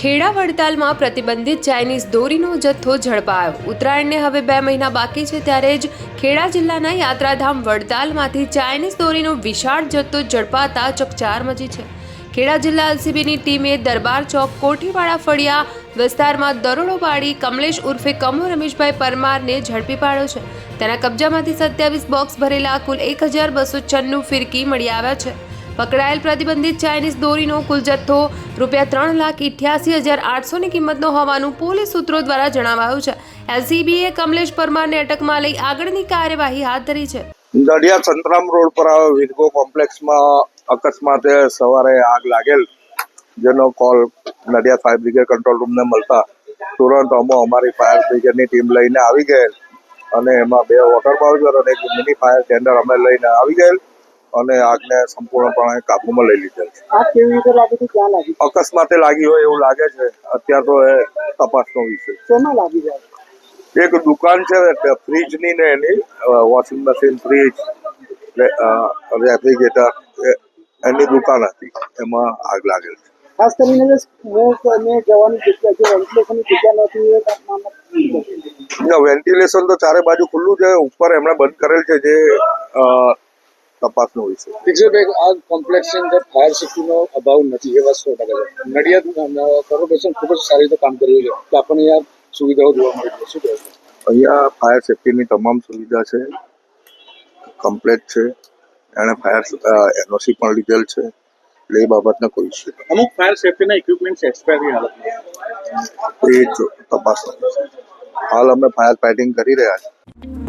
ખેડા વડતાલમાં પ્રતિબંધિત ચાઇનીઝ દોરીનો જથ્થો ઝડપાયો। ઉત્તરાયણને હવે 2 મહિના બાકી છે ત્યારે જ ખેડા જિલ્લાના યાત્રાધામ વડતાલમાંથી ચાઇનીઝ દોરીનો વિશાળ જથ્થો ઝડપાતા ચકચાર મચી છે। ખેડા જિલ્લા એલસીબીની ટીમે દરબાર ચોક કોઠીવાડા ફળિયા વિસ્તારમાં દરોડો પાડી કમલેશ ઉર્ફે કમુ રમેશભાઈ પરમારને ઝડપી પાડ્યો છે। તેના કબજામાંથી 27 બોક્સ ભરેલા કુલ 1296 ફિરકી મળી આવ્યા છે। પકડાયેલ પ્રતિબંધિત ચાઇનીઝ દોરીનો કુલ જથ્થો ₹3,88,800 ની કિંમતનો હોવાનું પોલીસ સૂત્રો દ્વારા જણાવાયું છે। એલસીબીએ કમલેશ પરમારને અટકમાં લઈ આગળની કાર્યવાહી હાથ ધરી છે। નડિયાદ સંતરામ રોડ પર આવેલ વિરગો કોમ્પ્લેક્સમાં અકસ્માતે સવારે આગ લાગેલ, જેનો call Nadiad fire brigade control રૂમને મળતા તુરંત અમારી ફાયર બ્રિગેડની ટીમ લઈને આવી ગયેલ અને એમાં 2 વોટર બાઉઝર અને એક મિની ફાયર ટેન્ડર અમે લઈને આવી ગયેલ અને આગને સંપૂર્ણપણે કાબૂમાં લઈ લીધેલ છે। આગ કેવી રીતે લાગી હતી, ક્યાં લાગી? અકસ્માતે લાગી હોય એવું લાગે છે। અત્યારે તો એ તપાસનો વિષય। શેમાં લાગી જાય? એક દુકાન છે ફ્રીજની ને એની વોશિંગ મશીન, ફ્રીજ, રેફ્રિજરેટર એની દુકાન હતી, એમાં આગ લાગેલ છે। ખાસ કરીને જે સ્મોક અને જવાની જગ્યા છે, વેન્ટિલેશનની જગ્યા નથી, એ તાપમાનમાં વેન્ટિલેશન તો ચારે બાજુ ખુલ્લું છે, ઉપર એમણે બંધ કરેલ છે, જે તપાસનો વિષય। પિક્ચરભાઈ, આ કોમ્પ્લેક્સની અંદર ફાયર સેફ્ટીનો અભાવ નથી, એ વાત 100% છે। નડિયાદ કોર્પોરેશન ખૂબ જ સારી રીતે કામ કર્યું છે, તો આપણને યાર સુવિધાઓ જોવા મળી છે, શું કહેવું? અહીંયા ફાયર સેફ્ટીની તમામ સુવિધા છે, કમ્પ્લેટ છે, એણે ફાયર એનઓસી પણ લીધેલ છે, એટલે એ બાબતને કોઈ ઇસ્યુ નથી। અમુક ફાયર સેફ્ટીના ઇક્વિપમેન્ટ્સ એક્સપાયરી હાલતમાં, એ જ તપાસનો વિષય। હાલ અમે ફાયર ફાઇટિંગ કરી રહ્યા છીએ।